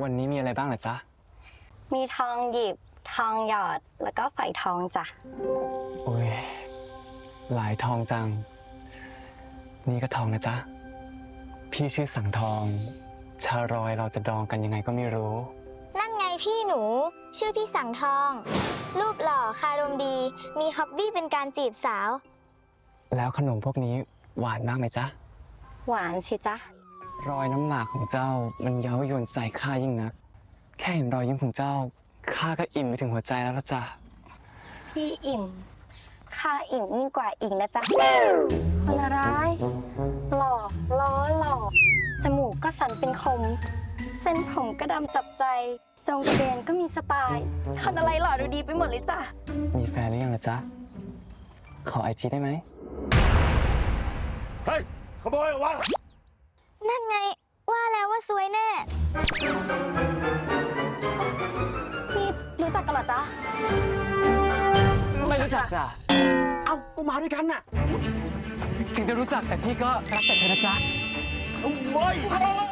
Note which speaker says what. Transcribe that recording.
Speaker 1: วันนี้มีอะไรบ้างเหรอจ๊ะ
Speaker 2: มีทองหยิบทองหยอดแล้วก็ฝอยทองจ้ะ
Speaker 1: โอ้ยหลายทองจังนี่ก็ทองนะจ๊ะพี่ชื่อสังทองชารอยเราจะดองกันยังไงก็ไม่รู้
Speaker 3: นั่นไงพี่หนูชื่อพี่สังทองรูปหล่อคารมดีมีฮ็อบบี้เป็นการจีบสาว
Speaker 1: แล้วขนมพวกนี้หวานมากไหมจ๊ะ
Speaker 2: หวานสิจ๊ะ
Speaker 1: รอยน้ำหมากของเจ้ามันเย้ายวนใจข้ายิ่งนักแค่เห็นรอยยิ้มของเจ้าข้าก็อิ่มไปถึงหัวใจแล้วละจ้ะ
Speaker 2: พี่อิ่มข้าอิ่มยิ่งกว่าอิ่งนะจ๊ะคนร้ายหล่อล้อหล่อจมูกก็สันเป็นคมเส้นผมก็ดำจับใจจงกระเบนก็มีสไตล์คนอะไรหล่อดูดีไปหมดเลยจ้ะ
Speaker 1: มีแฟนหรือยังล่ะจ๊ะขอIGได้ไหม
Speaker 4: เฮ้ยขโมยออกมา
Speaker 3: นั่นไงว่าแล้วว่าซวยแน่
Speaker 2: นี่รู้จักกันเหรอจ๊ะ
Speaker 1: ไม่รู้จักจ้ะ
Speaker 4: เอากูมาด้วยกันน่ะ
Speaker 1: ถึงจะรู้จักแต่พี่ก็รักแต่เธอนะจ๊ะ
Speaker 4: ไม่